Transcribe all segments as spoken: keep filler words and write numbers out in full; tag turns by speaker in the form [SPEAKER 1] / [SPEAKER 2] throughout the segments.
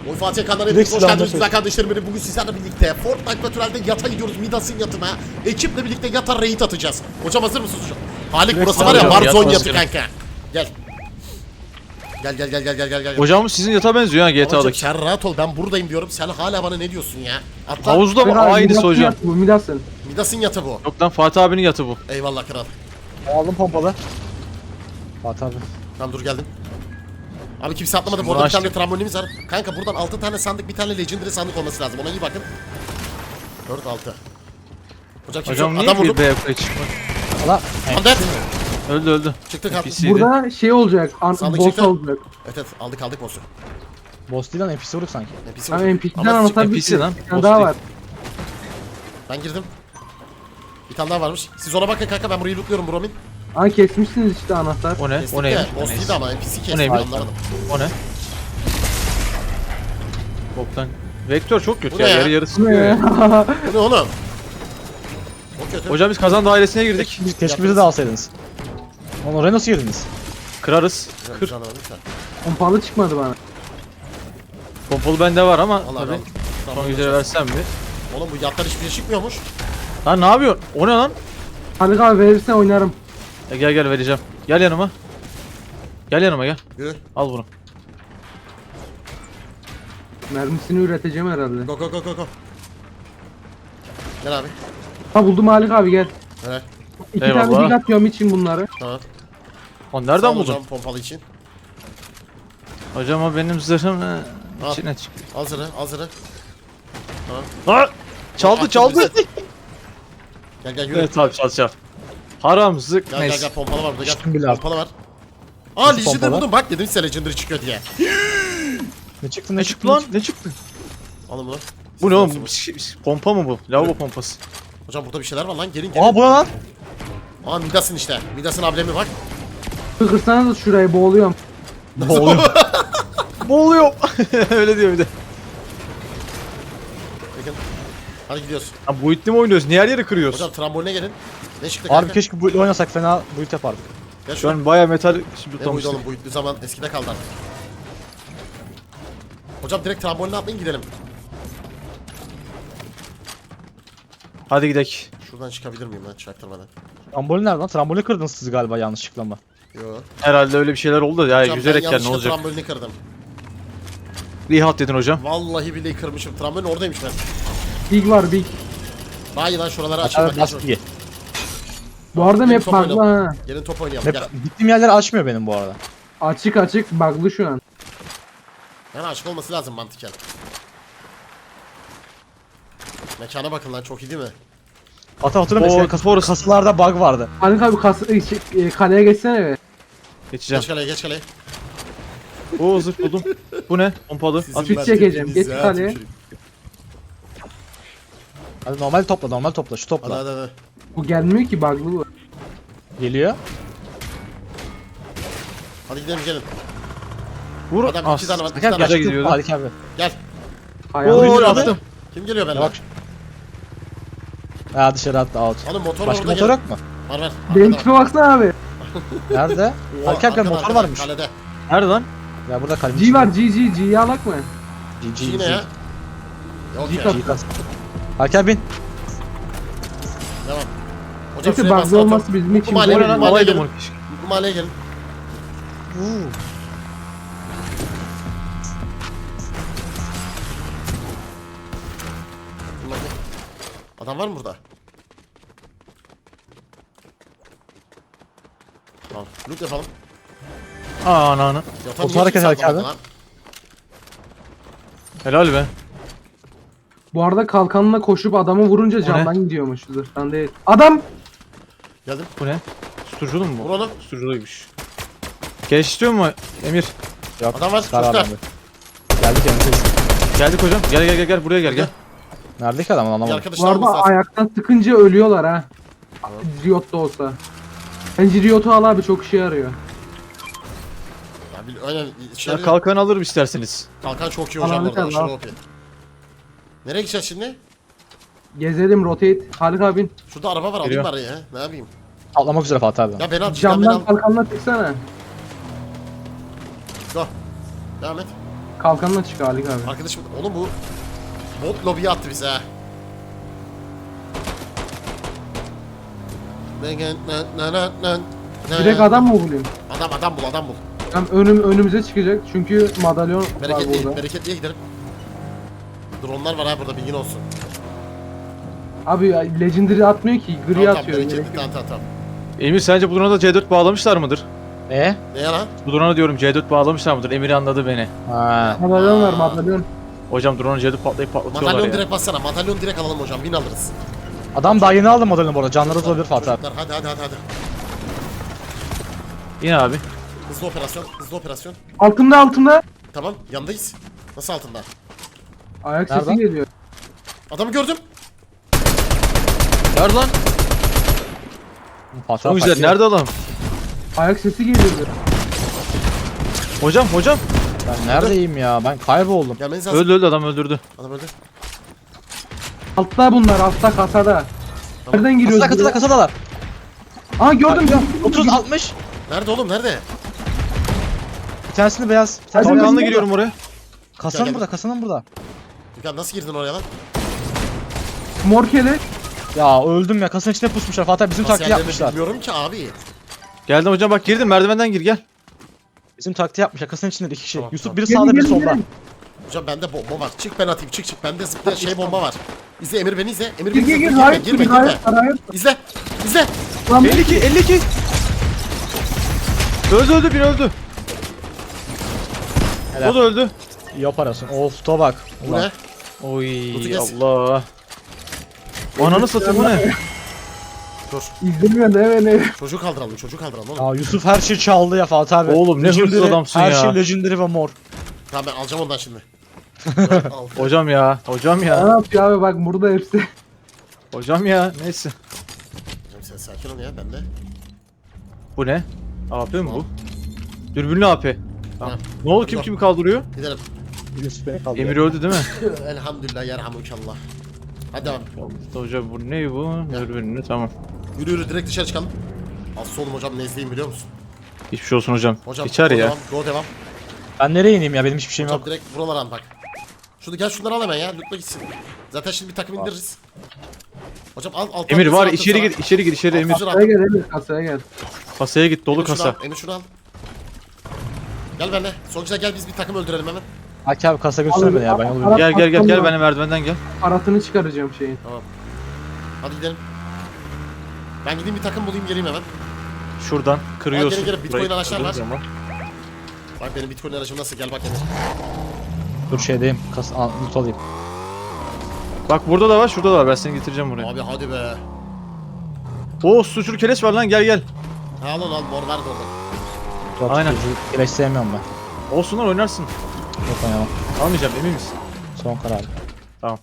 [SPEAKER 1] Oy Fatih kanalına hepiniz hoş geldiniz güzel kardeşlerim benim. Bugün sizlerle birlikte Fortnite Natural'de yata gidiyoruz. Midas'ın yatına. Ekiple birlikte yata raid atacağız. Hocam hazır mısınız hocam? Halik burası var ya Warzone yatı kanka. Gel. Gel gel gel gel gel gel gel.
[SPEAKER 2] Hocam sizin yata benziyor ha G T A'daki.
[SPEAKER 1] Sen rahat ol, ben buradayım diyorum. Sen hala bana ne diyorsun ya? Atla.
[SPEAKER 2] Havuzda mı? Aynısı hocam.
[SPEAKER 3] Bu Midas'ın.
[SPEAKER 1] Midas'ın yatı bu.
[SPEAKER 2] Yok lan Fatih abinin yatı bu.
[SPEAKER 1] Eyvallah kral.
[SPEAKER 3] Aldım pompalı. Fatih abi.
[SPEAKER 1] Tamam dur geldim. Abi kimse atlamadı.
[SPEAKER 2] Şimdi
[SPEAKER 1] Bu arada bir
[SPEAKER 2] açtık.
[SPEAKER 1] tane trambolinimiz var. Kanka buradan altı tane sandık, bir tane legendary sandık olması lazım. Ona iyi bakın. dört altı. Hocam kimse
[SPEAKER 2] Hocam
[SPEAKER 1] yok.
[SPEAKER 2] niye
[SPEAKER 1] Adam
[SPEAKER 2] bir
[SPEAKER 1] vurdum.
[SPEAKER 2] B yapmaya çıkmak?
[SPEAKER 3] Allah.
[SPEAKER 1] Andet.
[SPEAKER 2] Öldü öldü.
[SPEAKER 1] Çıktık abi.
[SPEAKER 2] P C'ydi.
[SPEAKER 3] Burada şey olacak. An
[SPEAKER 1] Sandık
[SPEAKER 3] boss
[SPEAKER 1] çıktı.
[SPEAKER 3] olacak.
[SPEAKER 1] Evet evet aldık aldık boss'u.
[SPEAKER 4] Boss değil lan N P C vurduk sanki.
[SPEAKER 1] N P C
[SPEAKER 3] Ama
[SPEAKER 1] vurduk.
[SPEAKER 3] N P C'den
[SPEAKER 1] Ama
[SPEAKER 3] anahtar
[SPEAKER 2] N P
[SPEAKER 3] bir
[SPEAKER 2] C lan,
[SPEAKER 3] Bir tane
[SPEAKER 2] boss
[SPEAKER 3] daha
[SPEAKER 2] değil.
[SPEAKER 3] var.
[SPEAKER 1] Ben girdim. Bir tane daha varmış. Siz ona bakın kanka, ben burayı lootluyorum Bromin.
[SPEAKER 3] Aa kesmişsiniz işte anahtar.
[SPEAKER 2] O ne?
[SPEAKER 1] Kestik
[SPEAKER 2] O
[SPEAKER 1] de,
[SPEAKER 2] neymiş?
[SPEAKER 1] boss değildi ama N P C kesti.
[SPEAKER 2] neymiş?
[SPEAKER 1] Anlamadım.
[SPEAKER 2] O ne? Boktan. Vektör çok kötü
[SPEAKER 1] Bu
[SPEAKER 2] ya.
[SPEAKER 1] ne ya?
[SPEAKER 2] Yarı yarı
[SPEAKER 3] Bu
[SPEAKER 2] sıkıyor
[SPEAKER 3] ne
[SPEAKER 2] ya.
[SPEAKER 3] ya?
[SPEAKER 1] Bu ne oğlum? O kötü.
[SPEAKER 2] Hocam biz kazan dairesine girdik.
[SPEAKER 4] Keşke, keşke bizi de alsaydınız. Lan oraya nasıl girdiniz?
[SPEAKER 2] Kırarız.
[SPEAKER 1] Güzel,
[SPEAKER 2] Kır.
[SPEAKER 1] güzel anladım sen.
[SPEAKER 3] Pompalı çıkmadı bana.
[SPEAKER 2] Pompalı bende var ama
[SPEAKER 1] Allah
[SPEAKER 2] tabii.
[SPEAKER 1] Allah.
[SPEAKER 2] Son güzel versem mi?
[SPEAKER 1] Oğlum bu yatlar hiçbir şey çıkmıyormuş.
[SPEAKER 2] Lan ne yapıyorsun? O ne lan?
[SPEAKER 3] Halik abi verirsen oynarım.
[SPEAKER 2] E, gel gel vereceğim. Gel yanıma. Gel yanıma gel.
[SPEAKER 1] Yürü.
[SPEAKER 2] Al bunu.
[SPEAKER 3] Mermisini üreteceğim herhalde.
[SPEAKER 1] Go go go go go. Gel abi.
[SPEAKER 3] Ha buldum Halik abi gel.
[SPEAKER 1] Evet.
[SPEAKER 3] İki
[SPEAKER 2] Eyvallah.
[SPEAKER 3] tane dik atıyorum için bunları.
[SPEAKER 1] Tamam.
[SPEAKER 2] O
[SPEAKER 1] Sağ
[SPEAKER 2] nereden
[SPEAKER 1] ol
[SPEAKER 2] buldun?
[SPEAKER 1] hocam pompalı için.
[SPEAKER 2] Hocam o benim zırhım. e,
[SPEAKER 1] Al.
[SPEAKER 2] İçine çık.
[SPEAKER 1] Al zırhı al zırhı.
[SPEAKER 2] Ha! Çaldı
[SPEAKER 1] Attım
[SPEAKER 2] çaldı.
[SPEAKER 1] bizi. Gel gel yürü.
[SPEAKER 2] Evet abi çal çal. Haram zık
[SPEAKER 1] Gel gel
[SPEAKER 2] neyse.
[SPEAKER 1] gel pompalı var burada gel.
[SPEAKER 4] Düştüm bile artık.
[SPEAKER 1] Pompalı var. Aa
[SPEAKER 4] Nasıl
[SPEAKER 1] Legendary
[SPEAKER 4] pompalı?
[SPEAKER 1] buldum bak, dedim size Legendary çıkıyor diye.
[SPEAKER 4] Ne çıktı
[SPEAKER 2] Ne çıktı lan? Ne çıktı?
[SPEAKER 1] Alın bunu.
[SPEAKER 2] Bu ne oğlum?
[SPEAKER 1] Siz
[SPEAKER 2] Bu
[SPEAKER 1] nasıl-
[SPEAKER 2] şey- Pompa mı bu? Lavabo pompası.
[SPEAKER 1] Hocam burada bir şeyler var lan, gelin gelin.
[SPEAKER 4] Aa bu ne lan?
[SPEAKER 1] Aa Midas'ın işte. Midas'ın ablemi bak.
[SPEAKER 3] Kırsana da şurayı boğuluyorum.
[SPEAKER 2] Boğuluyor. Boğuluyor. Öyle diyor bir de.
[SPEAKER 1] Bakın. Hadi gidiyoruz.
[SPEAKER 2] Ha, bu itti mi oynuyoruz? Niye her yeri kırıyoruz?
[SPEAKER 1] Hocam tramboline gelin. Ne çıktı
[SPEAKER 4] Abi
[SPEAKER 1] kanka?
[SPEAKER 4] keşke bu oynasak fena build yapardık.
[SPEAKER 1] Gel
[SPEAKER 2] Şu
[SPEAKER 1] şuradan.
[SPEAKER 2] an baya metal
[SPEAKER 1] Ne buydu
[SPEAKER 2] tutlamıştık.
[SPEAKER 1] oğlum, buydu zaman eskide kaldı artık. Hocam direkt tramboline atlayın gidelim.
[SPEAKER 2] Hadi gidelim.
[SPEAKER 1] Şuradan çıkabilir miyim lan çaktırmadan?
[SPEAKER 4] Trambolin nerede lan? Trambolini kırdınız siz galiba yanlışlıkla mı?
[SPEAKER 1] Yo.
[SPEAKER 2] Herhalde öyle bir şeyler oldu da ya
[SPEAKER 1] Hocam
[SPEAKER 2] yüzerek
[SPEAKER 1] ben
[SPEAKER 2] gel ne
[SPEAKER 1] yanlışlıkla
[SPEAKER 2] olacak?
[SPEAKER 1] trambolini kırdım.
[SPEAKER 2] Rihat dedin hocam.
[SPEAKER 1] Vallahi billahi kırmışım. Trambolin oradaymış ben.
[SPEAKER 3] Big var big.
[SPEAKER 1] Daha iyi lan şuraları açayım.
[SPEAKER 4] Abi
[SPEAKER 1] bak,
[SPEAKER 4] bas
[SPEAKER 1] şöyle.
[SPEAKER 4] bilgi.
[SPEAKER 3] Bu arada
[SPEAKER 1] Gelin
[SPEAKER 3] map
[SPEAKER 1] top
[SPEAKER 3] bug'lı
[SPEAKER 1] oynayalım.
[SPEAKER 3] ha.
[SPEAKER 1] Gelin top oynayalım gel.
[SPEAKER 4] Hep gittiğim yerler açmıyor benim bu arada.
[SPEAKER 3] Açık açık bug'lı şu an.
[SPEAKER 1] Yani açık olması lazım mantıken. Mekana bakın lan, çok iyi değil mi?
[SPEAKER 4] Hatta hatırlıyorum
[SPEAKER 2] Oo,
[SPEAKER 4] eskiden kas
[SPEAKER 2] Forest.
[SPEAKER 4] kasılarda bug vardı.
[SPEAKER 3] Halik abi kas e, şey, e, kaleye geçsene be.
[SPEAKER 2] Geçeceğim.
[SPEAKER 1] Geç kaleye geç kaleye.
[SPEAKER 2] Oo zırh buldum. Bu ne? Pompalı.
[SPEAKER 1] Sizin
[SPEAKER 2] At.
[SPEAKER 3] Süt çekeceğim, geç
[SPEAKER 1] merkezinize
[SPEAKER 3] kaleye.
[SPEAKER 1] atayım.
[SPEAKER 4] Hadi normal topla normal topla şu
[SPEAKER 1] Hadi
[SPEAKER 4] topla.
[SPEAKER 1] hadi hadi.
[SPEAKER 3] Bu gelmiyor ki bug'lı bu.
[SPEAKER 4] Geliyor.
[SPEAKER 1] Hadi gidelim gelin.
[SPEAKER 2] Vur.
[SPEAKER 1] Adam iki tane var. iki
[SPEAKER 4] Gel
[SPEAKER 1] tane var.
[SPEAKER 2] Gece gidiyordu.
[SPEAKER 4] Hadi abi.
[SPEAKER 1] Gel.
[SPEAKER 3] Hayal.
[SPEAKER 2] Oo
[SPEAKER 4] abi.
[SPEAKER 2] attım.
[SPEAKER 1] Kim geliyor benimle?
[SPEAKER 4] Bak. Ha dışarı attı out.
[SPEAKER 1] Oğlum motor
[SPEAKER 4] Başka
[SPEAKER 1] orada
[SPEAKER 4] motor
[SPEAKER 1] gel.
[SPEAKER 4] yok mu?
[SPEAKER 1] Var var.
[SPEAKER 3] Benim
[SPEAKER 1] Arkada
[SPEAKER 3] tipe baksana abi.
[SPEAKER 4] Nerede?
[SPEAKER 1] var. Oha,
[SPEAKER 4] Hadi abi
[SPEAKER 1] arkada,
[SPEAKER 4] motor
[SPEAKER 1] arkada,
[SPEAKER 4] varmış.
[SPEAKER 1] Kalede.
[SPEAKER 2] Nerede lan?
[SPEAKER 4] Ya burada kalem.
[SPEAKER 3] G var G G G'yi alak mı?
[SPEAKER 4] G G
[SPEAKER 1] G ne ya? Yok
[SPEAKER 3] G
[SPEAKER 1] ya.
[SPEAKER 3] kat.
[SPEAKER 4] G kas. Hadi abi bin.
[SPEAKER 1] Devam. Hocam
[SPEAKER 3] Neyse
[SPEAKER 1] şuraya bas,
[SPEAKER 3] bug'lı
[SPEAKER 1] otur.
[SPEAKER 3] olması bizim için.
[SPEAKER 1] Bu mahalleye
[SPEAKER 2] O ne
[SPEAKER 1] gelin,
[SPEAKER 2] lan?
[SPEAKER 1] bu mahalleye
[SPEAKER 2] Alaydım
[SPEAKER 1] gelin.
[SPEAKER 2] onu keşke.
[SPEAKER 1] Bu mahalleye gelin. Bunlar ne? Adam var mı burada? Tamam. Loot yapalım.
[SPEAKER 2] Aa ana ana.
[SPEAKER 1] Yatan
[SPEAKER 4] Otur
[SPEAKER 1] niye
[SPEAKER 4] hareket
[SPEAKER 1] kimse
[SPEAKER 4] hareket
[SPEAKER 1] atlamadı
[SPEAKER 4] abi.
[SPEAKER 1] lan?
[SPEAKER 2] Helal be.
[SPEAKER 3] Bu arada kalkanla koşup adamı vurunca
[SPEAKER 2] ne?
[SPEAKER 3] camdan gidiyormuş. Zırhtan değil. Adam!
[SPEAKER 1] Geldim.
[SPEAKER 2] Bu ne? Susturuculu mu
[SPEAKER 1] Vur
[SPEAKER 2] bu?
[SPEAKER 1] onu.
[SPEAKER 2] Susturuculuymuş. Geliş istiyor mu Emir?
[SPEAKER 4] Yok.
[SPEAKER 1] Adam var,
[SPEAKER 4] çıkar
[SPEAKER 1] çocuklar.
[SPEAKER 4] adamı. Geldik yanındayız.
[SPEAKER 2] Geldik hocam. Gel gel gel gel buraya gel gel.
[SPEAKER 4] Nerede ki adam
[SPEAKER 1] Bir
[SPEAKER 4] anlamadım.
[SPEAKER 3] Bu
[SPEAKER 1] arkadaşlar olması
[SPEAKER 3] arada
[SPEAKER 1] lazım.
[SPEAKER 3] ayaktan sıkınca ölüyorlar ha. Riot da olsa. Bence Riot'u al abi, çok işe yarıyor.
[SPEAKER 1] Ya bil- aynen şey,
[SPEAKER 2] Ya kalkan alırım isterseniz.
[SPEAKER 1] kalkan çok iyi hocam
[SPEAKER 3] Alanı
[SPEAKER 1] orada.
[SPEAKER 3] kal,
[SPEAKER 1] Aşırı
[SPEAKER 3] al.
[SPEAKER 1] O P. Nereye gideceğiz şimdi?
[SPEAKER 3] Gezelim, rotate. Halik abin.
[SPEAKER 1] Şurada araba var, alayım
[SPEAKER 2] Geliyor.
[SPEAKER 1] bari ya. Ne yapayım?
[SPEAKER 4] Atlamak üzere Fatih abi.
[SPEAKER 1] Ya beni al, cidden beni
[SPEAKER 3] Camdan
[SPEAKER 1] al.
[SPEAKER 3] kalkanla tıksana.
[SPEAKER 1] Go. Devam et.
[SPEAKER 3] Kalkanla çık Ali abi.
[SPEAKER 1] Arkadaşım oğlum bu bot lobiye attı bize ha.
[SPEAKER 3] Direkt adam mı bulayım?
[SPEAKER 1] Adam adam bul adam bul.
[SPEAKER 3] Hem önüm önümüze çıkacak çünkü madalyon var
[SPEAKER 1] Bereketli
[SPEAKER 3] burada.
[SPEAKER 1] bereketliye gidelim. Dronlar var ha burada bilgin olsun.
[SPEAKER 3] Abi ya, legendary atmıyor ki, gri
[SPEAKER 1] Tamam tamam
[SPEAKER 3] atıyor.
[SPEAKER 1] bereketli
[SPEAKER 3] Gerek yok.
[SPEAKER 1] tamam tamam tamam.
[SPEAKER 2] Emir sence bu drone'a da C dört bağlamışlar mıdır?
[SPEAKER 4] E?
[SPEAKER 1] Ne ya lan?
[SPEAKER 2] Bu drone'a diyorum C dört bağlamışlar mıdır? Emir anladı beni.
[SPEAKER 4] Ha.
[SPEAKER 3] Madalyon var madalyon.
[SPEAKER 2] Hocam drone'a C dört patlayıp patlatıyorlar
[SPEAKER 1] Madalyon
[SPEAKER 2] ya.
[SPEAKER 1] direkt bassana. Madalyon direkt alalım hocam. Bin alırız.
[SPEAKER 4] Adam daha yeni aldı modelini bu arada. Canları olabilir Fatih abi.
[SPEAKER 1] Çocuklar, hadi hadi hadi hadi.
[SPEAKER 2] Yine abi.
[SPEAKER 1] Hızlı operasyon. Hızlı operasyon.
[SPEAKER 3] Altında altında.
[SPEAKER 1] Tamam yandayız. Nasıl altında?
[SPEAKER 3] Ayak
[SPEAKER 4] Nerede?
[SPEAKER 3] sesi geliyor.
[SPEAKER 1] Adamı gördüm.
[SPEAKER 2] Nerede lan?
[SPEAKER 4] Fatih
[SPEAKER 2] Çok
[SPEAKER 4] abi
[SPEAKER 2] güzel.
[SPEAKER 4] kaçıyor.
[SPEAKER 2] Nerede adam?
[SPEAKER 3] Ayak sesi geliyor.
[SPEAKER 2] Hocam hocam.
[SPEAKER 4] Ben neredeyim ya? Ben kayboldum.
[SPEAKER 1] Gelmeniz lazım.
[SPEAKER 2] Öldü öldü adam öldürdü.
[SPEAKER 1] Adam öldü.
[SPEAKER 3] Altta bunlar, altta kasada. Nereden giriyoruz?
[SPEAKER 4] Kasada kasada
[SPEAKER 3] buraya?
[SPEAKER 4] kasadalar.
[SPEAKER 3] Aa gördüm gördüm.
[SPEAKER 4] otuz altmış.
[SPEAKER 1] Nerede oğlum nerede?
[SPEAKER 4] Bir tanesini beyaz. Bir
[SPEAKER 3] Hadi
[SPEAKER 4] tanesini
[SPEAKER 3] bakalım.
[SPEAKER 2] Kalkanla
[SPEAKER 4] beyaz.
[SPEAKER 2] giriyorum oraya.
[SPEAKER 4] Kasanın
[SPEAKER 1] Gel, gel.
[SPEAKER 4] burada, kasanın burada.
[SPEAKER 1] Dükkan nasıl girdin oraya lan?
[SPEAKER 3] Morkele.
[SPEAKER 4] Ya öldüm ya. Kasanın içine pusmuşlar. Fatih abi bizim
[SPEAKER 1] Nasıl
[SPEAKER 4] taktiği
[SPEAKER 1] yerlerini
[SPEAKER 4] yapmışlar.
[SPEAKER 1] bilmiyorum ki abi.
[SPEAKER 2] Geldim hocam bak girdim merdivenden gir gel.
[SPEAKER 4] Bizim taktiği yapmışlar. Kasanın içinde iki kişi.
[SPEAKER 1] Tamam,
[SPEAKER 4] Yusuf
[SPEAKER 1] tamam.
[SPEAKER 4] biri
[SPEAKER 3] Gelin,
[SPEAKER 4] sağda biri
[SPEAKER 3] gelin,
[SPEAKER 4] solda.
[SPEAKER 3] gelin.
[SPEAKER 1] Hocam bende bomba var. Çık ben atayım çık çık. Bende zıplayan şey bomba var. İzle Emir beni izle. Emir
[SPEAKER 3] Gir
[SPEAKER 1] beni
[SPEAKER 3] gir
[SPEAKER 1] izle.
[SPEAKER 3] gir.
[SPEAKER 1] Girme
[SPEAKER 3] Hayır
[SPEAKER 1] girme
[SPEAKER 3] gir. Hayır
[SPEAKER 1] girme.
[SPEAKER 3] hayır.
[SPEAKER 1] İzle. İzle.
[SPEAKER 3] Lan
[SPEAKER 2] elli iki elli iki. Öldü öldü bir öldü.
[SPEAKER 4] Helal.
[SPEAKER 2] O da öldü.
[SPEAKER 4] İyi operasyon. Of tuğa bak.
[SPEAKER 1] Bu
[SPEAKER 4] Ulan.
[SPEAKER 1] ne?
[SPEAKER 2] Oy
[SPEAKER 1] Kutu kes.
[SPEAKER 2] Allah. Ananı satayım bu ne?
[SPEAKER 1] Dur.
[SPEAKER 3] İzlemiyor ne beni.
[SPEAKER 1] Çocuğu kaldıralım. Çocuğu kaldıralım oğlum.
[SPEAKER 4] Ya Yusuf her şeyi çaldı ya Fatih abi.
[SPEAKER 2] Oğlum ne hırsız
[SPEAKER 4] Legendary,
[SPEAKER 2] adamsın
[SPEAKER 4] her
[SPEAKER 2] ya.
[SPEAKER 4] şey legendary ve mor.
[SPEAKER 1] Tamam ben alacağım ondan şimdi. Al.
[SPEAKER 2] Hocam ya. Hocam
[SPEAKER 3] Ne
[SPEAKER 2] ya.
[SPEAKER 3] yapıyor abi, bak burada hepsi.
[SPEAKER 2] Hocam ya. Neyse.
[SPEAKER 1] Hocam sen sakin ol ya ben de.
[SPEAKER 2] Bu ne? A P mi bu? Dürbünlü A P. Tamam.
[SPEAKER 1] Ha.
[SPEAKER 2] Ne oldu kim kimi kaldırıyor?
[SPEAKER 1] Gidelim.
[SPEAKER 4] Yusuf beni kaldı.
[SPEAKER 2] Emir öldü değil mi?
[SPEAKER 1] Elhamdülillah yerhamukallah. Hadi devam.
[SPEAKER 2] Hocam bu ne bu? Dürbünlü tamam.
[SPEAKER 1] Yürü yürü direkt dışarı çıkalım. Az solum hocam nezleyim biliyor musun?
[SPEAKER 2] Hiçbir şey olsun hocam.
[SPEAKER 1] Hocam
[SPEAKER 2] Geçer
[SPEAKER 1] go
[SPEAKER 2] ya.
[SPEAKER 1] devam. Go devam.
[SPEAKER 4] Ben nereye ineyim ya? Benim hiçbir şeyim
[SPEAKER 1] Hocam
[SPEAKER 4] yok.
[SPEAKER 1] direkt buralara al bak. Şurada gel şunları al hemen ya. Lütfen gitsin. Zaten şimdi bir takım indiririz. Hocam al al.
[SPEAKER 2] Emir var
[SPEAKER 1] al,
[SPEAKER 2] içeri
[SPEAKER 1] al,
[SPEAKER 2] gir içeri gir içeri
[SPEAKER 1] al,
[SPEAKER 2] Emir.
[SPEAKER 1] al, al.
[SPEAKER 3] Kasaya gel Emir, kasaya gel.
[SPEAKER 2] Kasaya git dolu
[SPEAKER 1] Emir şunu
[SPEAKER 2] kasa.
[SPEAKER 1] al, Emir şunu al. Gel benimle. Sonuçta gel biz bir takım öldürelim hemen.
[SPEAKER 4] Haki abi kasa götürsene beni ya. Ben yolu
[SPEAKER 3] Al-
[SPEAKER 4] biliyorum.
[SPEAKER 2] Gel gel gel gel
[SPEAKER 3] Tamam.
[SPEAKER 2] benim merdivenden gel.
[SPEAKER 3] Paratını çıkaracağım şeyin.
[SPEAKER 1] Hadi gidelim. Ben gideyim bir takım bulayım geleyim hemen.
[SPEAKER 2] Şuradan kırıyorsun.
[SPEAKER 1] gel, gel, Bitcoin
[SPEAKER 2] burayı
[SPEAKER 1] araçlar var.
[SPEAKER 2] kırdığın zaman.
[SPEAKER 1] Bak benim Bitcoin aracım nasıl gel bak Emir.
[SPEAKER 4] Dur şeydeyim. Kasa al, loot alayım.
[SPEAKER 2] Bak burada da var şurada da var ben seni getireceğim buraya.
[SPEAKER 1] Abi hadi be.
[SPEAKER 2] Oo suçlu keleş var lan gel gel.
[SPEAKER 1] Ha al onu al mor ver de oradan.
[SPEAKER 4] Dur,
[SPEAKER 2] Aynen.
[SPEAKER 4] Keleş sevmiyorum ben.
[SPEAKER 2] Olsunlar oynarsın.
[SPEAKER 4] Yok oynamam.
[SPEAKER 2] Almayacağım emin misin?
[SPEAKER 4] Son karar.
[SPEAKER 2] Tamam.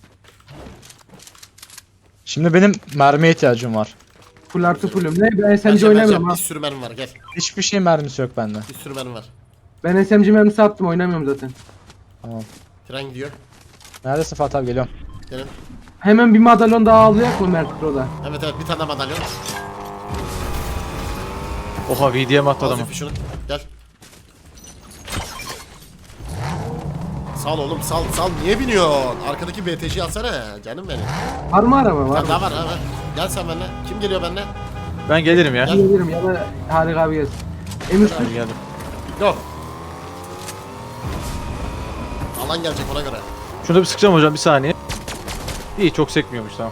[SPEAKER 4] Şimdi benim mermiye ihtiyacım var.
[SPEAKER 3] Full artı fullüm. Ne? Ben S M G
[SPEAKER 1] Bence,
[SPEAKER 3] oynamıyorum
[SPEAKER 1] bence
[SPEAKER 3] ha.
[SPEAKER 1] bir sürü mermi var gel.
[SPEAKER 4] Hiçbir şey mermisi yok bende.
[SPEAKER 1] Bir sürü mermi var.
[SPEAKER 3] Ben S M G mermisi attım, oynamıyorum zaten.
[SPEAKER 4] Tamam.
[SPEAKER 1] Tren gidiyor.
[SPEAKER 4] Neredesin Fatih abi, geliyorum.
[SPEAKER 1] Gelin.
[SPEAKER 3] Hemen bir madalyon daha alacak mı Mertro'da?
[SPEAKER 1] Evet evet bir tane daha madalyon.
[SPEAKER 2] Oha V D M attı
[SPEAKER 1] Al
[SPEAKER 2] adamı.
[SPEAKER 1] Zülfü şunu. Gel. Sal oğlum sal sal niye biniyorsun? Arkadaki B T C'yi alsana canım benim.
[SPEAKER 3] Var mı araba, var
[SPEAKER 1] Sen
[SPEAKER 3] mı?
[SPEAKER 1] daha var ha var. Gel sen benimle. Kim geliyor benimle?
[SPEAKER 2] Ben gelirim ya.
[SPEAKER 1] Gel.
[SPEAKER 3] Gelirim ya da Harika abi gelsin. Emir
[SPEAKER 2] Ben
[SPEAKER 3] sür.
[SPEAKER 2] geldim.
[SPEAKER 1] Go. Alan gelecek ona göre.
[SPEAKER 2] Şunu da bir sıkacağım hocam bir saniye. İyi çok sekmiyormuş tamam.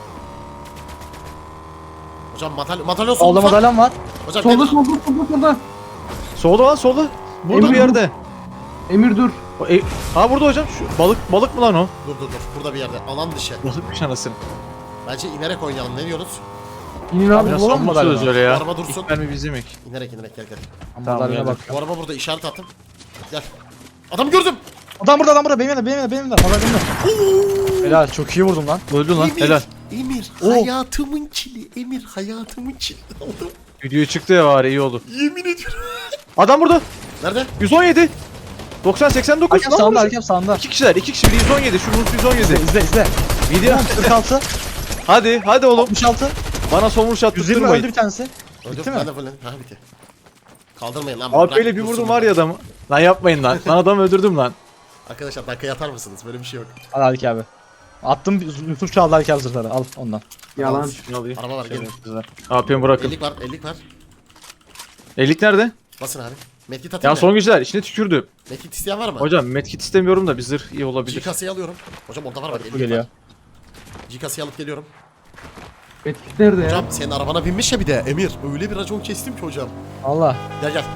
[SPEAKER 1] Hocam madalyon, madalyon
[SPEAKER 4] Solda
[SPEAKER 1] solda.
[SPEAKER 4] madalyon var.
[SPEAKER 1] Hocam
[SPEAKER 3] Solda
[SPEAKER 1] gel.
[SPEAKER 3] solda solda solda.
[SPEAKER 2] Solda lan solda. Burada
[SPEAKER 3] Emir
[SPEAKER 2] bir yerde.
[SPEAKER 3] Emir dur.
[SPEAKER 2] O, e, ha burada hocam şu balık balık mı lan o?
[SPEAKER 1] Dur dur dur. Burada bir yerde. Alan dışı.
[SPEAKER 2] Balıkmış anasını.
[SPEAKER 1] Bence inerek oynayalım. Ne diyorsunuz?
[SPEAKER 3] İnin
[SPEAKER 4] Abi,
[SPEAKER 3] abi.
[SPEAKER 2] Biraz
[SPEAKER 4] bulalım
[SPEAKER 2] son
[SPEAKER 4] mı
[SPEAKER 2] söz
[SPEAKER 4] galiba?
[SPEAKER 2] öyle ya.
[SPEAKER 1] Araba dursun.
[SPEAKER 2] İlk mermi bizim ilk.
[SPEAKER 1] İnerek inerek gel gel.
[SPEAKER 2] Tamam,
[SPEAKER 4] Madalyona
[SPEAKER 2] geldim.
[SPEAKER 4] bak.
[SPEAKER 1] Bu araba burada işaret attım. Gel. Adamı gördüm.
[SPEAKER 4] Adam burada, adam burada. Benim yanımda, benim yanımda, benim yanımda. Madalyonda. Helal, çok iyi vurdum lan.
[SPEAKER 2] Öldü lan
[SPEAKER 1] Emir.
[SPEAKER 2] helal.
[SPEAKER 1] Emir.
[SPEAKER 2] Oh.
[SPEAKER 1] Hayatımın çili. Emir hayatımın çili. Oldu.
[SPEAKER 2] Videoya çıktı ya var iyi oldu.
[SPEAKER 1] Yemin ediyorum.
[SPEAKER 2] Adam burada.
[SPEAKER 1] Nerede?
[SPEAKER 2] yüz on yedi. doksan seksen dokuz.
[SPEAKER 4] Hakem
[SPEAKER 2] Lan
[SPEAKER 4] sağında,
[SPEAKER 2] burası.
[SPEAKER 4] hakem sağında.
[SPEAKER 2] İki kişiler, iki kişi biri yüz on yedi, şu vurdu yüz on
[SPEAKER 4] İzle,
[SPEAKER 2] yedi.
[SPEAKER 4] izle, izle.
[SPEAKER 2] Video.
[SPEAKER 4] kırk altı,
[SPEAKER 2] Hadi, hadi oğlum.
[SPEAKER 4] altmış altı,
[SPEAKER 2] Bana son vuruş
[SPEAKER 4] yüz yirmi öldü
[SPEAKER 2] attırmayın.
[SPEAKER 4] bir tanesi.
[SPEAKER 1] Öldüm.
[SPEAKER 4] Bitti mi?
[SPEAKER 1] Ben de fulledim. Ha bitti. Kaldırmayın lan.
[SPEAKER 2] Abi
[SPEAKER 1] bırak
[SPEAKER 2] böyle bir
[SPEAKER 1] dursun
[SPEAKER 2] vurdum
[SPEAKER 1] burada.
[SPEAKER 2] var ya adamı. Lan yapmayın lan. Lan adamı öldürdüm lan.
[SPEAKER 1] Arkadaşlar dakikaya atar mısınız? Böyle bir şey yok.
[SPEAKER 4] Al Haluk abi. Attım Yusuf çaldı Haluk abi zırhları. Al ondan.
[SPEAKER 3] Yalan.
[SPEAKER 2] Ne alayım?
[SPEAKER 1] Araba var, gelin.
[SPEAKER 2] Şerefsizler. A P'mi bırakın.
[SPEAKER 1] ellik var, ellik var.
[SPEAKER 2] Ellik nerede?
[SPEAKER 1] Basın abi. Medkit atayım
[SPEAKER 2] Ya
[SPEAKER 1] mı?
[SPEAKER 2] son güçler içine tükürdü.
[SPEAKER 1] Medkit isteyen var mı?
[SPEAKER 2] Hocam medkit istemiyorum da bir zırh iyi olabilir.
[SPEAKER 1] G-kasayı alıyorum. Hocam orada var bak,
[SPEAKER 4] Bu
[SPEAKER 1] ellik
[SPEAKER 4] geliyor.
[SPEAKER 1] var. G-kasayı alıp geliyorum.
[SPEAKER 3] Etkit nerede ya?
[SPEAKER 1] Hocam senin arabana binmiş ya bir de Emir. Öyle bir racon kestim ki hocam.
[SPEAKER 4] Allah.
[SPEAKER 1] Gel gel.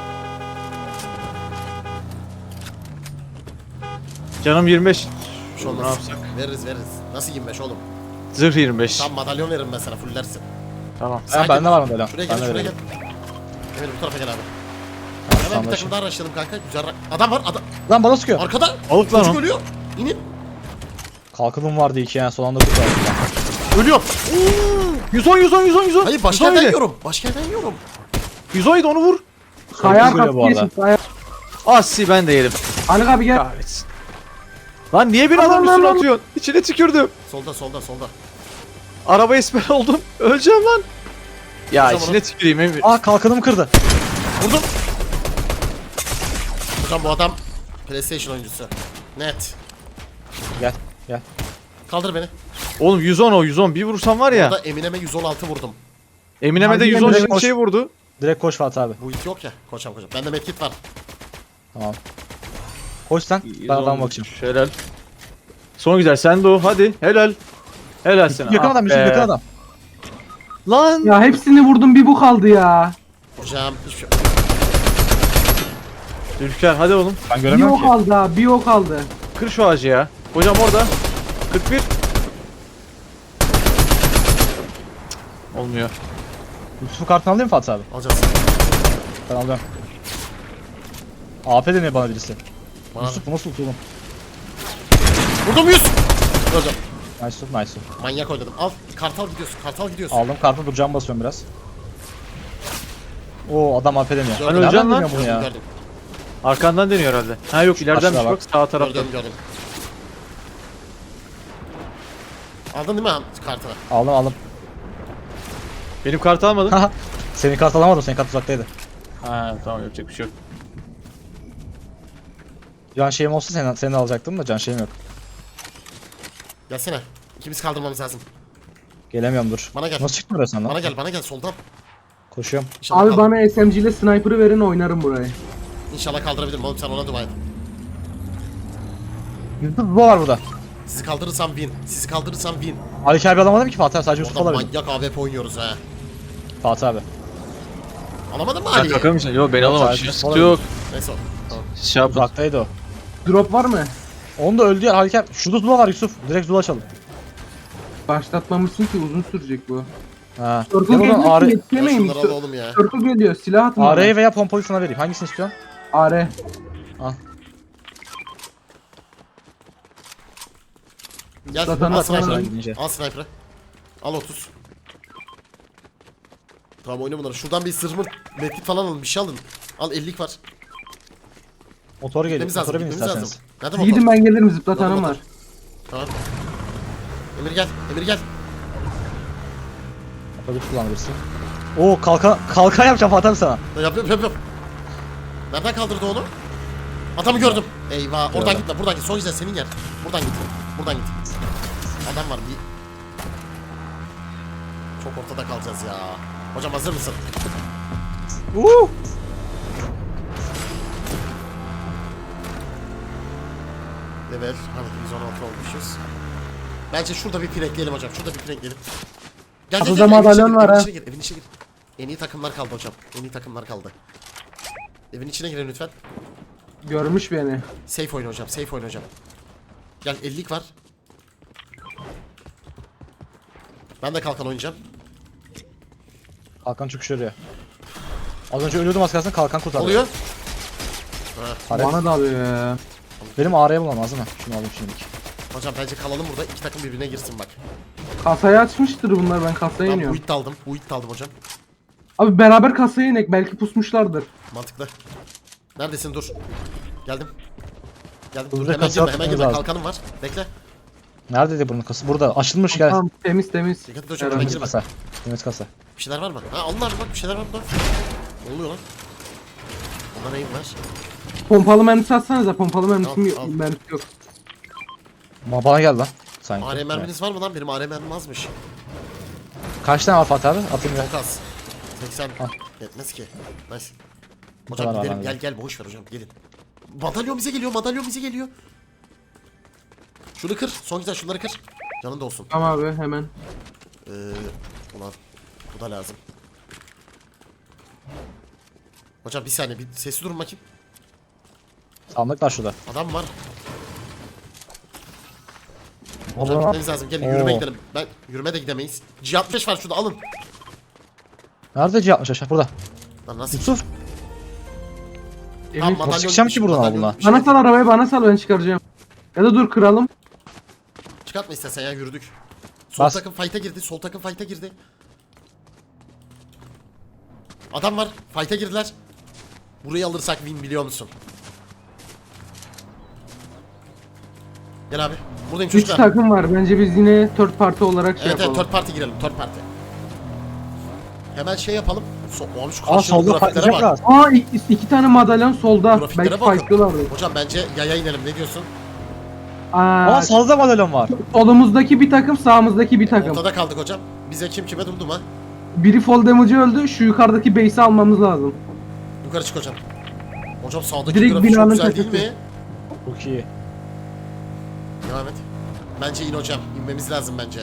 [SPEAKER 2] Canım yirmi beş.
[SPEAKER 1] Bir şey
[SPEAKER 2] Ne
[SPEAKER 1] olmaz.
[SPEAKER 2] yapsak?
[SPEAKER 1] Veririz veririz. Nasıl yirmi beş oğlum?
[SPEAKER 2] Zırh yirmi beş.
[SPEAKER 1] Tam madalyon veririm mesela, fullersin.
[SPEAKER 2] Tamam.
[SPEAKER 4] Ha, bende var mı böyle?
[SPEAKER 1] Şuraya
[SPEAKER 4] Ben
[SPEAKER 1] gel,
[SPEAKER 4] de
[SPEAKER 1] şuraya gel.
[SPEAKER 4] vereyim.
[SPEAKER 1] Emir bu tarafa gel abi.
[SPEAKER 4] Tamam,
[SPEAKER 1] Hemen bir
[SPEAKER 4] tamam,
[SPEAKER 1] takım daha araştıralım kanka. Güzel ra- Adam var, adam.
[SPEAKER 4] Lan bana sıkıyor.
[SPEAKER 1] Arkada.
[SPEAKER 2] Balık lan
[SPEAKER 1] Çocuk
[SPEAKER 2] o.
[SPEAKER 1] ölüyor. İnin.
[SPEAKER 4] Kalkınım vardı iki yani son anda kurtardım.
[SPEAKER 1] Ölüyor.
[SPEAKER 2] yüz on yüz on yüz on yüz on.
[SPEAKER 1] Hayır başka yerden yiyorum. Başka yerden yiyorum.
[SPEAKER 2] yüz on onu vur.
[SPEAKER 3] Kaya
[SPEAKER 4] Çok güzel bu
[SPEAKER 3] arkası
[SPEAKER 4] arada.
[SPEAKER 3] geçin. Kaya.
[SPEAKER 2] Asi ben de yerim.
[SPEAKER 3] Haluk abi gel.
[SPEAKER 2] Kahretsin. Lan niye bir
[SPEAKER 3] Aman,
[SPEAKER 2] adam üstüne
[SPEAKER 3] aman.
[SPEAKER 2] atıyorsun? İçine tükürdüm.
[SPEAKER 1] Solda solda solda.
[SPEAKER 2] Araba esmer oldum. Öleceğim lan. Ya
[SPEAKER 1] Hocam
[SPEAKER 2] içine tüküreyim Emir.
[SPEAKER 4] Aa kalkanımı kırdı.
[SPEAKER 1] Vurdum. Hocam bu adam PlayStation oyuncusu. Net.
[SPEAKER 4] Gel gel.
[SPEAKER 1] Kaldır beni.
[SPEAKER 2] Oğlum yüz on o yüz on. Bir vursam var ya.
[SPEAKER 1] Burada Eminem'e yüz on altı vurdum.
[SPEAKER 2] Eminem'e de
[SPEAKER 3] Hadi
[SPEAKER 2] yüz on
[SPEAKER 3] Emre,
[SPEAKER 2] şimdi
[SPEAKER 4] koş.
[SPEAKER 2] şey vurdu.
[SPEAKER 4] Direkt koş Fatih abi.
[SPEAKER 1] Bu it yok ya. Koçam koçam. Bende medkit var.
[SPEAKER 4] Tamam. Koş sen. Ben adama bakacağım.
[SPEAKER 2] Helal. Son güzel sen de o hadi helal. Helal sana.
[SPEAKER 4] Yakın
[SPEAKER 2] Ah
[SPEAKER 4] adam
[SPEAKER 2] be.
[SPEAKER 4] Yusuf yakın adam.
[SPEAKER 2] Lan.
[SPEAKER 3] Ya hepsini vurdum, bir bu kaldı ya.
[SPEAKER 1] Hocam hiçbir şey.
[SPEAKER 2] Ülker hadi oğlum.
[SPEAKER 4] Ben
[SPEAKER 3] Bir
[SPEAKER 4] göremiyorum
[SPEAKER 3] o
[SPEAKER 4] ki.
[SPEAKER 3] kaldı ha, bir o kaldı.
[SPEAKER 2] Kır şu ağacı ya. Hocam orada. kırk bir. Cık, Olmuyor.
[SPEAKER 4] Yusuf'un kartını alayım mı Fatih abi?
[SPEAKER 1] Alacağız.
[SPEAKER 4] Ben alıyorum. A P deniyor bana birisi.
[SPEAKER 1] Bana.
[SPEAKER 4] Yusuf bu nasıl tutuldum?
[SPEAKER 1] Vurdum yüz. Hocam.
[SPEAKER 4] Nice Yusuf nice Yusuf.
[SPEAKER 1] Manyak oynadım. Al. Kartal gidiyorsun. Kartal gidiyorsun.
[SPEAKER 4] Aldım kartını duracağım basıyorum biraz. Oo adam A P deniyor.
[SPEAKER 1] Gördüm.
[SPEAKER 2] Hani öleceğim
[SPEAKER 4] Nereden
[SPEAKER 2] lan.
[SPEAKER 4] deniyor bunu
[SPEAKER 1] Gördüm
[SPEAKER 4] ya?
[SPEAKER 1] gördüm.
[SPEAKER 2] Arkandan deniyor herhalde. Ha yok ileriden
[SPEAKER 4] Aşağı
[SPEAKER 2] bak.
[SPEAKER 4] bak.
[SPEAKER 2] Sağ tarafta.
[SPEAKER 1] Gördüm gördüm. Aldın değil mi abi kartını?
[SPEAKER 4] Aldım aldım.
[SPEAKER 2] Benim kartı almadın.
[SPEAKER 4] Senin kart alamadım, senin kart uzaktaydı.
[SPEAKER 2] Ha tamam yapacak bir şey yok.
[SPEAKER 4] Can şeyim olsa senin, senin alacaktım da can şeyim yok.
[SPEAKER 1] Gelsene. İkimiz kaldırmamız lazım.
[SPEAKER 4] Gelemiyorum dur.
[SPEAKER 1] Bana gel.
[SPEAKER 4] Nasıl çıktın buraya sen lan?
[SPEAKER 1] Bana gel bana gel soldan.
[SPEAKER 4] Koşuyorum.
[SPEAKER 1] İnşallah
[SPEAKER 3] Abi
[SPEAKER 1] kaldır-
[SPEAKER 3] bana S M G ile sniper'ı verin, oynarım burayı.
[SPEAKER 1] İnşallah kaldırabilirim oğlum, sen ona dua et.
[SPEAKER 4] Yusuf bu var burada.
[SPEAKER 1] Sizi kaldırırsam win. Sizi kaldırırsam win.
[SPEAKER 4] Ali abi alamadım ki Fatih abi, sadece Yusuf
[SPEAKER 1] Orada
[SPEAKER 4] alabildim.
[SPEAKER 1] manyak A W P oynuyoruz ha.
[SPEAKER 4] Fatih abi.
[SPEAKER 1] Alamadın mı
[SPEAKER 2] Sen
[SPEAKER 1] Ali'yi?
[SPEAKER 2] takar mısın? Yok ben
[SPEAKER 4] Yok,
[SPEAKER 2] alamadım.
[SPEAKER 4] sadece
[SPEAKER 2] Sıkıntı yok.
[SPEAKER 1] Neyse o. Tamam.
[SPEAKER 2] Şey yapın.
[SPEAKER 4] Uzaktaydı o.
[SPEAKER 3] Drop var mı?
[SPEAKER 4] Onu da öldü ya Ali abi. Şurada Zula var Yusuf. Direkt Zula açalım.
[SPEAKER 3] Başlatmamışsın ki, uzun sürecek bu.
[SPEAKER 4] Ha.
[SPEAKER 3] Circle
[SPEAKER 4] Ya buradan
[SPEAKER 3] geliyor
[SPEAKER 4] A
[SPEAKER 3] ki
[SPEAKER 4] R
[SPEAKER 3] yetişemeyin.
[SPEAKER 1] Ya şunları al oğlum ya.
[SPEAKER 3] Circle geliyor, silah atın
[SPEAKER 4] A R'yi
[SPEAKER 3] bana.
[SPEAKER 4] veya pompalıyı sana vereyim. Hangisini istiyorsun?
[SPEAKER 3] A R.
[SPEAKER 4] Al.
[SPEAKER 1] Gel
[SPEAKER 3] Zaten
[SPEAKER 1] al
[SPEAKER 3] bak,
[SPEAKER 1] sniper'ı.
[SPEAKER 4] ben gidince.
[SPEAKER 1] Al sniper'ı. Al otuz. Tamam oyna bunları. Şuradan bir zırhmı medkit falan alın, bir şey alın. Al ellik var.
[SPEAKER 4] Motor geliyor.
[SPEAKER 1] Gitmemiz lazım,
[SPEAKER 4] Motora bin
[SPEAKER 1] gitmemiz lazım.
[SPEAKER 4] isterseniz.
[SPEAKER 1] Nerede motor?
[SPEAKER 3] Gidin, ben gelirim,
[SPEAKER 1] Motor,
[SPEAKER 3] zıplatanım
[SPEAKER 1] motor.
[SPEAKER 3] var.
[SPEAKER 1] Tamam. Emir gel, Emir gel.
[SPEAKER 4] Motoru kullanabilirsin. Oo kalkan kalkan yapacağım Fatih abi sana.
[SPEAKER 1] Yap yap yap yap. Nereden kaldırdı onu? Adamı gördüm. Eyvah. Oradan
[SPEAKER 4] Gördüm.
[SPEAKER 1] gitme. Buradan git. Son güzel senin yer. Buradan git. Buradan git. Adam var bir. Çok ortada kalacağız ya. Hocam hazır mısın?
[SPEAKER 4] Uuu.
[SPEAKER 1] Level. Hani yüz on altı olmuşuz. Bence şurada bir pirekleyelim hocam. Şurada bir pirekleyelim. Gel gel
[SPEAKER 3] Kapıda
[SPEAKER 1] gel. Evin içine
[SPEAKER 3] madalyon
[SPEAKER 1] gir,
[SPEAKER 3] var
[SPEAKER 1] evin
[SPEAKER 3] ha.
[SPEAKER 1] içine gir. Evin içine gir. En iyi takımlar kaldı hocam. En iyi takımlar kaldı. Evin içine girin lütfen.
[SPEAKER 3] Görmüş beni.
[SPEAKER 1] Safe oyna hocam. Safe oyna hocam. Gel ellik var. Ben de kalkan oynayacağım.
[SPEAKER 4] Kalkan çıkış örüyor. Az önce ölüyordum az kalsın kalkan kurtardı.
[SPEAKER 1] Oluyor.
[SPEAKER 4] Taret.
[SPEAKER 3] Bana da alıyor ya.
[SPEAKER 4] Benim A R'ye bulmam lazım mı? Şunu alayım şimdilik.
[SPEAKER 1] Hocam bence kalalım burada. İki takım birbirine girsin bak.
[SPEAKER 3] Kasayı açmıştır bunlar, ben kasaya
[SPEAKER 1] Ben bu
[SPEAKER 3] iniyorum.
[SPEAKER 1] it de aldım. Bu it de aldım hocam.
[SPEAKER 3] Abi beraber kasaya inek, belki pusmuşlardır.
[SPEAKER 1] Mantıklı. Neredesin dur. Geldim. Geldim.
[SPEAKER 4] Dur,
[SPEAKER 1] Dur,
[SPEAKER 4] bir
[SPEAKER 1] hemen
[SPEAKER 4] kasa
[SPEAKER 1] girme hemen
[SPEAKER 4] atmamız
[SPEAKER 1] girme.
[SPEAKER 4] lazım.
[SPEAKER 1] Kalkanım var. Bekle.
[SPEAKER 4] Neredeydi bunun kası? Burada. Açılmış gel.
[SPEAKER 3] Tamam, temiz temiz.
[SPEAKER 1] Dikkat et hocam.
[SPEAKER 3] Evet.
[SPEAKER 1] Hemen
[SPEAKER 4] Temiz
[SPEAKER 1] girme.
[SPEAKER 4] kasa. Temiz kasa.
[SPEAKER 1] Bir şeyler var mı? Ha onlar bak bir şeyler var burada. Ne oluyor lan? Onda neyim var?
[SPEAKER 3] Pompalı mermisi atsanıza. Pompalı mermisi
[SPEAKER 1] Al,
[SPEAKER 3] yok.
[SPEAKER 1] al.
[SPEAKER 3] Mermisi yok.
[SPEAKER 4] Ma bana gel lan. Sanki.
[SPEAKER 1] A R merminiz var mı lan? Benim A R mermim azmış.
[SPEAKER 4] Kaç tane var Fatih abi? Atayım ya.
[SPEAKER 1] Çok az. seksen
[SPEAKER 4] Al.
[SPEAKER 1] yetmez ki. Nice.
[SPEAKER 4] Bu
[SPEAKER 1] Hocam
[SPEAKER 4] kadar
[SPEAKER 1] gidelim
[SPEAKER 4] var
[SPEAKER 1] gel
[SPEAKER 4] abi.
[SPEAKER 1] gel boş ver hocam gelin. Madalyon bize geliyor madalyon bize geliyor. Şunu kır son güzel şunları kır. Canın da olsun.
[SPEAKER 3] Tamam abi hemen.
[SPEAKER 1] Ee, ulan bu da lazım. Hocam bir saniye bir sesi durun bakayım.
[SPEAKER 4] Sandık var şurada.
[SPEAKER 1] Adam var. Hocam
[SPEAKER 4] Oğlum,
[SPEAKER 1] gitmemiz lazım. Gelin yürüme
[SPEAKER 4] Oo.
[SPEAKER 1] gidelim. Ben yürüme de gidemeyiz. G altmış var şurada alın.
[SPEAKER 4] Nerede C altmış aşağı? Burada.
[SPEAKER 1] Lan nasıl?
[SPEAKER 4] Yusuf.
[SPEAKER 3] Emir.
[SPEAKER 1] Tamam, madalyon
[SPEAKER 4] çıkacağım ki
[SPEAKER 1] düşün,
[SPEAKER 4] buradan
[SPEAKER 1] madalyon
[SPEAKER 4] abla?
[SPEAKER 1] düşün.
[SPEAKER 3] Bana sal arabayı bana sal ben çıkaracağım. Ya da dur kıralım.
[SPEAKER 1] Çıkartma istersen ya yürüdük. Sol
[SPEAKER 4] Bas.
[SPEAKER 1] takım fight'a girdi. Sol takım fight'a girdi. Adam var. Fight'a girdiler. Burayı alırsak win biliyor musun? Gel abi. Buradayım
[SPEAKER 3] Üç
[SPEAKER 1] çocuklar.
[SPEAKER 3] takım var. Bence biz yine third party olarak şey
[SPEAKER 1] Evet evet
[SPEAKER 3] yapalım.
[SPEAKER 1] third party girelim. Third party. Hemen şey yapalım. So Oğlum şu
[SPEAKER 4] Aa
[SPEAKER 1] karşılıklı
[SPEAKER 4] solda
[SPEAKER 1] grafiklere bak.
[SPEAKER 4] patlayacaklar.
[SPEAKER 3] Aa iki, iki tane madalyon solda.
[SPEAKER 1] Grafiklere
[SPEAKER 3] Belki
[SPEAKER 1] bakın.
[SPEAKER 3] fightlıyorlardı.
[SPEAKER 1] Hocam bence yaya inelim ne diyorsun?
[SPEAKER 3] Aa,
[SPEAKER 4] Aa salda madalyon var.
[SPEAKER 3] solumuzdaki bir takım sağımızdaki bir takım.
[SPEAKER 1] Ortada kaldık hocam. Bize kim kime durdum ha?
[SPEAKER 3] Biri fall damage'ı öldü. Şu yukarıdaki base'i almamız lazım.
[SPEAKER 1] Yukarı çık hocam. Hocam sağdaki
[SPEAKER 3] Direkt
[SPEAKER 1] grafik çok
[SPEAKER 3] binanın
[SPEAKER 1] güzel değil
[SPEAKER 3] tepesi.
[SPEAKER 1] mi?
[SPEAKER 4] Çok iyi.
[SPEAKER 1] Devam et. Bence in hocam. İnmemiz lazım bence.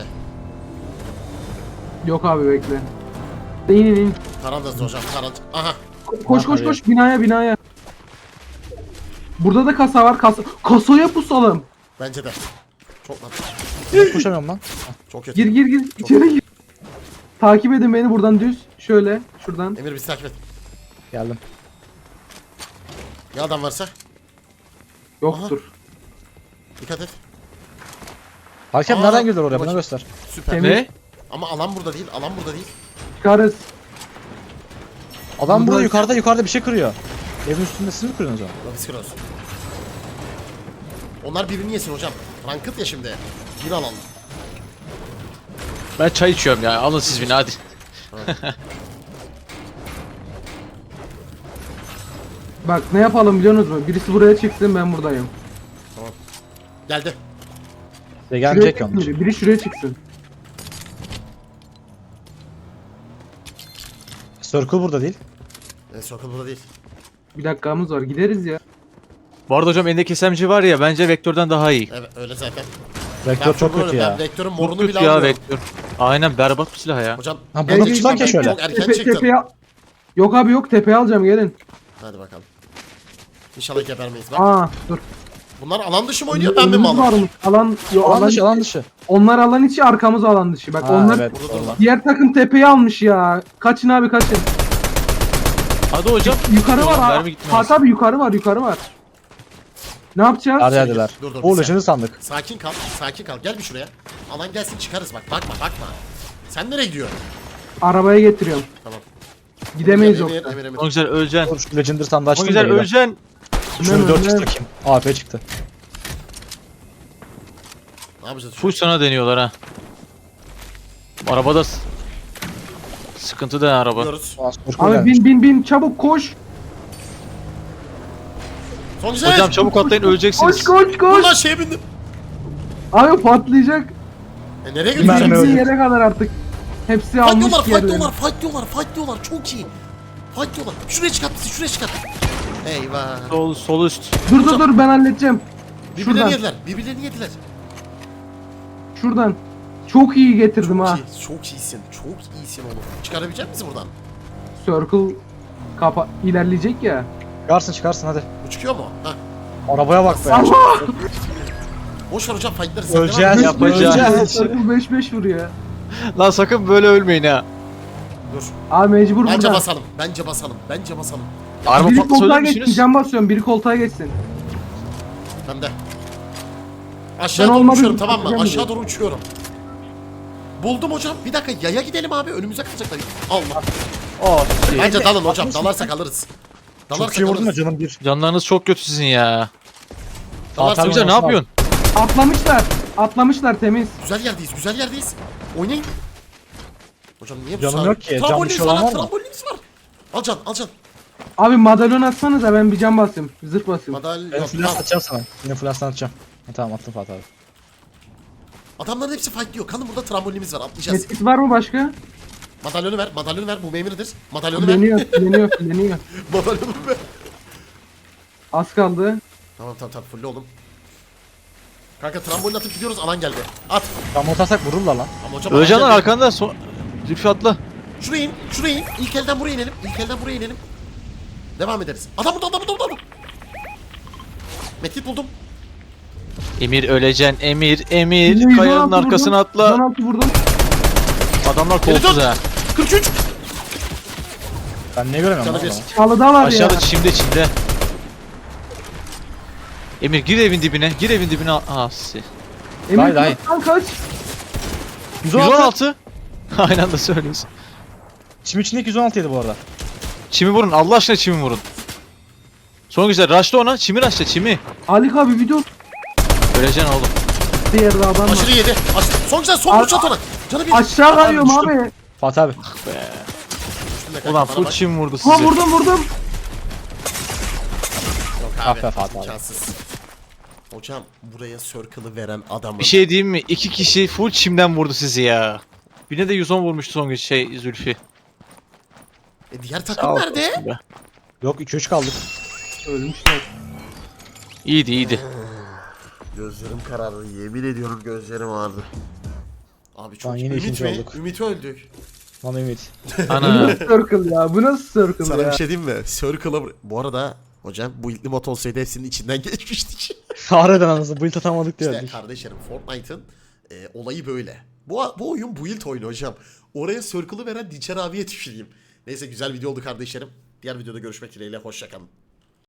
[SPEAKER 3] Yok abi bekle. İn in in.
[SPEAKER 1] Karandasın hocam. Karand. Aha.
[SPEAKER 3] Ko- Koş koş
[SPEAKER 4] Abi.
[SPEAKER 3] koş binaya binaya. Burada da kasa var. Kasa kasaya pusalım.
[SPEAKER 1] Bence de. Çok lan.
[SPEAKER 4] Ben koşamıyorum lan.
[SPEAKER 1] Çok kötü.
[SPEAKER 3] Gir gir gir. İçeri gir. Takip edin beni buradan düz. Şöyle şuradan.
[SPEAKER 1] Emir bizi takip et.
[SPEAKER 4] Geldim.
[SPEAKER 1] Ya adam varsa?
[SPEAKER 3] Yoktur.
[SPEAKER 1] Dikkat et.
[SPEAKER 4] Hakem
[SPEAKER 1] Aa,
[SPEAKER 4] nereden girdiler oraya? Bana
[SPEAKER 1] bakayım.
[SPEAKER 4] göster.
[SPEAKER 1] Süper.
[SPEAKER 3] Temiz.
[SPEAKER 2] Ne?
[SPEAKER 1] Ama alan burada değil. Alan burada değil.
[SPEAKER 3] Çıkarız.
[SPEAKER 4] Adam burada
[SPEAKER 3] Burada-
[SPEAKER 4] yukarıda yukarıda bir şey kırıyor. Evin üstünde siz mi kırıyorsunuz onu?
[SPEAKER 1] Biz kırıyoruz. Onlar birbirini yesin hocam. Ranked ya şimdi. Bir alalım.
[SPEAKER 2] Ben çay içiyorum ya. Alın siz beni hadi.
[SPEAKER 3] Bak ne yapalım biliyor musunuz? Birisi buraya çıksın ben buradayım.
[SPEAKER 1] Geldi.
[SPEAKER 4] Size
[SPEAKER 3] Şuraya
[SPEAKER 4] gelecek
[SPEAKER 3] çıksın
[SPEAKER 4] yalnız.
[SPEAKER 3] biri. Biri şuraya çıksın.
[SPEAKER 4] Circle burada değil.
[SPEAKER 1] E, Circle burada değil.
[SPEAKER 3] Bir dakikamız var. Gideriz ya.
[SPEAKER 2] Bu arada hocam elindeki S M G var ya bence Vektör'den daha iyi.
[SPEAKER 1] Evet öyle zaten.
[SPEAKER 4] Vektör çok
[SPEAKER 1] böyle-
[SPEAKER 4] kötü
[SPEAKER 1] Ben
[SPEAKER 4] ya.
[SPEAKER 1] vektörün
[SPEAKER 2] Çok
[SPEAKER 1] morunu
[SPEAKER 2] kötü
[SPEAKER 1] bile
[SPEAKER 2] ya
[SPEAKER 1] almıyorum.
[SPEAKER 2] Vektör. Aynen berbat bir silah ya.
[SPEAKER 1] Hocam
[SPEAKER 4] Ha,
[SPEAKER 1] erken
[SPEAKER 4] bunu tutsam
[SPEAKER 1] çıktın,
[SPEAKER 4] ki şöyle.
[SPEAKER 1] Çok erken
[SPEAKER 3] Tepe,
[SPEAKER 1] çıktın.
[SPEAKER 3] tepeye... Yok abi yok tepeye alacağım gelin.
[SPEAKER 1] Hadi bakalım. İnşallah gebermeyiz. Bak.
[SPEAKER 3] Aa dur.
[SPEAKER 1] Bunlar alan dışı mı oynuyor ben mi
[SPEAKER 3] Önümüz
[SPEAKER 1] malım?
[SPEAKER 3] varmış. Alan, yo,
[SPEAKER 4] Alan
[SPEAKER 3] alan
[SPEAKER 4] dışı alan dışı.
[SPEAKER 3] Onlar alan içi arkamız alan dışı. Bak
[SPEAKER 4] Ha,
[SPEAKER 3] onlar
[SPEAKER 4] evet.
[SPEAKER 1] Burada
[SPEAKER 4] orada.
[SPEAKER 1] durma.
[SPEAKER 3] diğer takım tepeyi almış ya. Kaçın abi kaçın.
[SPEAKER 2] Hadi hocam.
[SPEAKER 3] Yukarı var ha.
[SPEAKER 2] Mermi gitmez.
[SPEAKER 3] Fatih abi yukarı var yukarı var. Ne yapacağız?
[SPEAKER 4] Hadi hadiler.
[SPEAKER 1] Dur, dur, bir
[SPEAKER 4] Uğurlu
[SPEAKER 1] saniye.
[SPEAKER 4] şimdi sandık.
[SPEAKER 1] Sakin kal, sakin kal. Gel bir şuraya. Alan gelsin çıkarız bak. Bakma, bakma. Sen nereye gidiyorsun?
[SPEAKER 3] Arabaya getiriyorum.
[SPEAKER 1] Tamam.
[SPEAKER 3] Gidemeyiz
[SPEAKER 1] Emir,
[SPEAKER 3] yoksa.
[SPEAKER 1] Emir, Emir.
[SPEAKER 2] O güzel öleceksin.
[SPEAKER 4] Dur şu Legendary sandığı
[SPEAKER 2] O
[SPEAKER 4] açtım
[SPEAKER 2] güzel
[SPEAKER 4] da öyle.
[SPEAKER 2] öleceksin.
[SPEAKER 4] Şunu dört
[SPEAKER 3] Önden,
[SPEAKER 4] çıktı kim? A P çıktı.
[SPEAKER 1] Ne yapacağız?
[SPEAKER 2] Full sana deniyorlar ha. Arabada s- sıkıntı da araba.
[SPEAKER 1] Gidiyoruz.
[SPEAKER 4] Aa, Circle
[SPEAKER 3] Abi
[SPEAKER 4] gelmiş.
[SPEAKER 3] bin bin bin çabuk koş.
[SPEAKER 1] Son güzel.
[SPEAKER 2] Hocam çabuk atlayın
[SPEAKER 3] Koş
[SPEAKER 2] öleceksiniz.
[SPEAKER 3] koş koş.
[SPEAKER 1] Ulan şeye bindim.
[SPEAKER 3] Abi patlayacak.
[SPEAKER 1] E nereye
[SPEAKER 4] Mermi
[SPEAKER 1] götüreceğim?
[SPEAKER 4] öldü.
[SPEAKER 3] Bizim yere kadar artık. Hepsi
[SPEAKER 1] Fight
[SPEAKER 3] almış
[SPEAKER 1] diyorlar, fight
[SPEAKER 3] yerlerini.
[SPEAKER 1] diyorlar, fight diyorlar, fight diyorlar. Çok iyi. Fight diyorlar. Şuraya çıkart bizi, şuraya çıkart. Eyvah.
[SPEAKER 2] Sol, sol üst.
[SPEAKER 3] Dur dur dur ben halledeceğim.
[SPEAKER 1] Birbirlerini
[SPEAKER 3] Şuradan.
[SPEAKER 1] yediler, birbirlerini yediler.
[SPEAKER 3] Şuradan. Çok iyi getirdim ha.
[SPEAKER 1] Çok iyi, çok iyisin, çok iyisin oğlum. Çıkarabilecek misin buradan?
[SPEAKER 3] Circle kapa ilerleyecek ya.
[SPEAKER 4] Çıkarsın çıkarsın hadi.
[SPEAKER 1] Bu çıkıyor mu? Ha.
[SPEAKER 4] Arabaya bak be.
[SPEAKER 3] Allah!
[SPEAKER 1] Boş ver hocam, fightları sen
[SPEAKER 4] Öleceğiz.
[SPEAKER 1] devam et.
[SPEAKER 2] Yapacağız.
[SPEAKER 4] Öleceğiz.
[SPEAKER 3] Circle beş beş vuruyor.
[SPEAKER 2] Lan sakın böyle ölmeyin ha.
[SPEAKER 1] Dur.
[SPEAKER 3] Abi mecbur
[SPEAKER 1] Bence
[SPEAKER 3] buradan.
[SPEAKER 1] basalım, bence basalım, bence basalım.
[SPEAKER 2] Araba
[SPEAKER 3] Biri
[SPEAKER 2] patlasa
[SPEAKER 3] koltuğa
[SPEAKER 2] ölür
[SPEAKER 3] geçsin.
[SPEAKER 2] müsünüz?
[SPEAKER 3] Can basıyorum. Biri koltuğa geçsin.
[SPEAKER 1] Ben de. Aşağı
[SPEAKER 3] Ben
[SPEAKER 1] doğru
[SPEAKER 3] olmadı,
[SPEAKER 1] uçuyorum tamam mı?
[SPEAKER 3] yapacağım
[SPEAKER 1] Aşağı
[SPEAKER 3] diyor.
[SPEAKER 1] doğru uçuyorum. Buldum hocam. Bir dakika yaya gidelim abi. Önümüze kalacaklar. Allah.
[SPEAKER 2] Aa,
[SPEAKER 1] Bence dalın hocam. Dalarsak alırız.
[SPEAKER 4] Çok
[SPEAKER 1] Dalarsak
[SPEAKER 4] iyi vurdun da
[SPEAKER 1] alırız.
[SPEAKER 4] canım bir.
[SPEAKER 2] canlarınız çok kötü sizin ya.
[SPEAKER 1] Dalarsak
[SPEAKER 4] Tamam,
[SPEAKER 2] Güzel ne
[SPEAKER 4] tamam.
[SPEAKER 2] yapıyorsun?
[SPEAKER 3] Atlamışlar. Atlamışlar temiz.
[SPEAKER 1] Güzel yerdeyiz. Güzel yerdeyiz. Oynayın. Hocam niye bu
[SPEAKER 4] Canım
[SPEAKER 1] sağ-
[SPEAKER 4] yok ki, can
[SPEAKER 1] Tramboliniz
[SPEAKER 4] dışı
[SPEAKER 1] var
[SPEAKER 4] olan
[SPEAKER 1] lan.
[SPEAKER 4] var mı?
[SPEAKER 1] Tramboliniz var. Al can al can.
[SPEAKER 3] Abi madalyon atsanıza ben bir can basayım. Zırh basayım.
[SPEAKER 1] Madal
[SPEAKER 4] Ben
[SPEAKER 1] yok.
[SPEAKER 4] flash
[SPEAKER 1] Al.
[SPEAKER 4] atacağım sana. Yine flash atacağım. Ha, tamam attım Fatih abi.
[SPEAKER 1] Adamların hepsi fightlıyor. Kanın burada trambolinimiz var. Atlayacağız.
[SPEAKER 3] Medkit var mı başka?
[SPEAKER 1] Madalyonu ver. Madalyonu ver. Bu memiridir. Madalyonu ver.
[SPEAKER 3] Leniyor, leniyor, leniyor.
[SPEAKER 1] Madalyonu ver.
[SPEAKER 3] Az kaldı.
[SPEAKER 1] Tamam tamam tamam. Full oğlum. Kanka trambolin atıp gidiyoruz. Alan geldi. At.
[SPEAKER 4] Tam atarsak vururlar lan.
[SPEAKER 1] Ama hocam alan
[SPEAKER 2] Özcanlar
[SPEAKER 1] geldi.
[SPEAKER 2] arkanda. So Zülfü atla.
[SPEAKER 1] Şuraya in. Şuraya in. İlk elden buraya inelim. İlk elden buraya inelim. Devam ederiz. Adam burada adam burada adam. Medkit buldum.
[SPEAKER 2] Emir öleceksin. Emir, Emir.
[SPEAKER 3] yüz on
[SPEAKER 2] Kayanın
[SPEAKER 3] altı
[SPEAKER 2] arkasına
[SPEAKER 3] vurdum,
[SPEAKER 2] atla.
[SPEAKER 3] yüz on altı vurdum.
[SPEAKER 2] Adamlar
[SPEAKER 1] Geri
[SPEAKER 2] kolsuz
[SPEAKER 1] dön.
[SPEAKER 2] ha.
[SPEAKER 1] kırk üç.
[SPEAKER 4] Ben ne göremiyorum
[SPEAKER 1] Canı
[SPEAKER 4] lan
[SPEAKER 1] bir.
[SPEAKER 4] adamı.
[SPEAKER 3] Çalıda var ya.
[SPEAKER 2] Aşağıda çimde çimde. Emir gir evin dibine. Gir evin dibine. Aa si.
[SPEAKER 3] Emir
[SPEAKER 4] Hayır, hayır.
[SPEAKER 3] kaç, kaç.
[SPEAKER 4] yüz
[SPEAKER 2] yüz
[SPEAKER 4] on
[SPEAKER 2] on
[SPEAKER 4] altı.
[SPEAKER 2] altı. Aynı anda söylüyorsun.
[SPEAKER 4] Çim içindeki yüz on altı yedi bu arada.
[SPEAKER 2] Çimi vurun. Allah aşkına çimi vurun. Son güzel. Raşla ona. Çimi raşla çimi.
[SPEAKER 3] Halik abi video
[SPEAKER 2] Öleceksin oğlum.
[SPEAKER 3] diğer adam var.
[SPEAKER 1] Aşırı yedi. Aşırı. Son güzel son
[SPEAKER 3] Al-
[SPEAKER 1] vuruş at ona. Canı bir.
[SPEAKER 3] Aşağı kayıyorum
[SPEAKER 4] düştüm.
[SPEAKER 3] abi.
[SPEAKER 4] Fatih abi.
[SPEAKER 1] Üstünde kanka,
[SPEAKER 2] Ulan
[SPEAKER 1] bana
[SPEAKER 2] full
[SPEAKER 1] bak.
[SPEAKER 2] çim vurdu
[SPEAKER 3] Ha
[SPEAKER 2] sizi.
[SPEAKER 3] vurdum vurdum.
[SPEAKER 1] Yok
[SPEAKER 4] Ah
[SPEAKER 1] abi.
[SPEAKER 4] be Fatih abi.
[SPEAKER 1] İmkansız. Hocam buraya circle'ı veren adamın.
[SPEAKER 2] Bir şey diyeyim mi? İki kişi full çimden vurdu sizi ya. Birine de yüz on vurmuştu son gün şey Zülfü.
[SPEAKER 1] E, diğer
[SPEAKER 2] Sağ
[SPEAKER 1] takım
[SPEAKER 2] ol
[SPEAKER 1] nerede?
[SPEAKER 2] olsun be.
[SPEAKER 4] Yok iki üç kaldık.
[SPEAKER 3] Ölmüşler.
[SPEAKER 2] İyiydi iyiydi.
[SPEAKER 1] Gözlerim karardı. Yemin ediyorum gözlerim ağrıdı. Abi çok
[SPEAKER 4] Lan yine
[SPEAKER 1] Ümit
[SPEAKER 4] ikinci
[SPEAKER 1] mi?
[SPEAKER 4] olduk.
[SPEAKER 1] Ümit öldük.
[SPEAKER 4] Lan Ümit.
[SPEAKER 3] Bu
[SPEAKER 2] Ana.
[SPEAKER 3] nasıl circle ya? Bu nasıl circle
[SPEAKER 1] Sana
[SPEAKER 3] ya?
[SPEAKER 1] bir şey diyeyim mi? Circle'a... Bu arada hocam bu ilk mod olsaydı hepsinin içinden geçmiştik.
[SPEAKER 4] Harbiden anasını build atamadık diyor.
[SPEAKER 1] İşte kardeşlerim Fortnite'ın e, olayı böyle. Bu, bu oyun build oyunu hocam. Oraya circle'ı veren Dinçer abiye tüküreyim. Neyse güzel video oldu kardeşlerim. Diğer videoda görüşmek dileğiyle. Hoşçakalın.